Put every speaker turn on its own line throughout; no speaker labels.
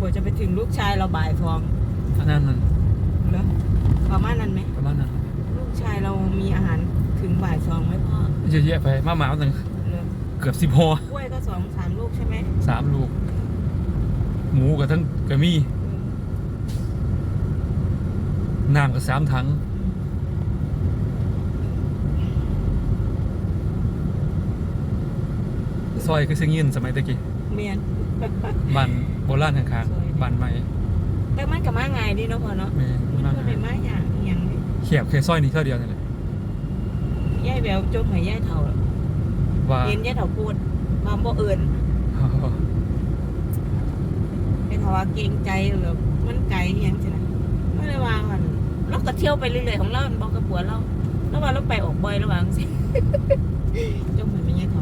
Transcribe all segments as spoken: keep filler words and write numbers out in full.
ว่าจะไปถึงลูกชายเราบ่ายทอง
อันนั้นนั่น
เหรอประมาณนั้นไหม
ประมาณนั้น
ลูกชายเรามีอาหารถึงบ่ายทองไหมพ่อ
เยอะแยะไปมาหมาตั้งเกือบสิบห่อก
ล้วยก็สองสามลูกใช่ไหม
สามลูกหมูกับทั้งกระมี่น้ำกับสามถังซอยคือเสียงยินสมัยตะกี้
เมียน
บ้านโบราณข้างๆบ้านใหม่
แต่มันกับมาไงดีเนาะพ่อเนาะมันก็เป็นมาอย่างอย่าง
เขียบแค่ซอยนี้เท่าเดียวนี่แหละ
ย่ายแววจมให้ย่ายเถ่า
ว่า
เห็นย่ายเถ่าพูดมาบ่เอิญเป็นภาวะเกรงใจแบบมันไกลอย่างใช่ไหมไม่ได้วางมันเราก็เที่ยวไปเรื่อยๆของเราบอกกับผัวเราแล้วว่าเราไปออกบ่อยระหว่างสิจมให้ไม่ย่ายเถ่า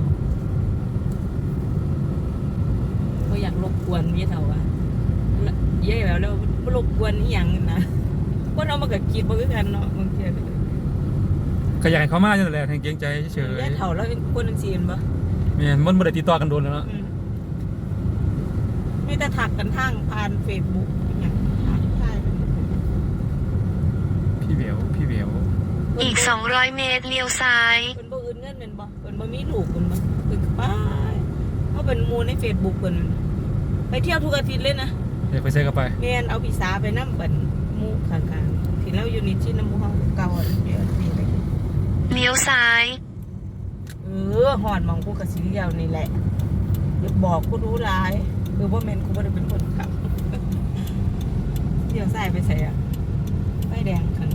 ก็อยากรบกวนย่ายเถ่าอ่ะย่ายแววแล้วรบกวนนี่อย่างนะก็เรามากับคิดบ่คือกันเนาะบางที
ก็อยากให้เขามาจังแหละให้เกรงใจเฉยๆ
ย่ายเถ่าแล้วคนนึงซีนปะ
แม่นมันบ่ได้ติดต่อกันโดนแล้วเนาะ
ไม่แต่ถักกันทางผ่านเฟซบุ๊กอย่างทักทาย
พี่เบียวพี่เบียว
อีกสองร้อยเมตรเลี้ยวซ้าย
เป็นบ่อื่นเงินเป็นบ่เป็นบ่มีลูกเป็นบ่เป็นป้ายเขาเป็นมูในเฟซบุ๊กเป็นไปเที่ยวทุกอาทิตย์เลยนะ
เดี๋ยวไปเซ็กกันไป
เมียนเอาพี่สาไปนั่งเป็นมูข้างๆที่เราอยู่นิชิน้ำมูเขาเก่าเดี๋ยวนี่เลย
เลี้ยวซ้าย
เออหอนมองกูกับสีเดียวนี่แหละอย่าบอกกูรู้ร้ายคือว่าเมนกูไม่ได้เป็นคนขับเดี๋ยวใส่ไปใส่อะไฟแดงข้าง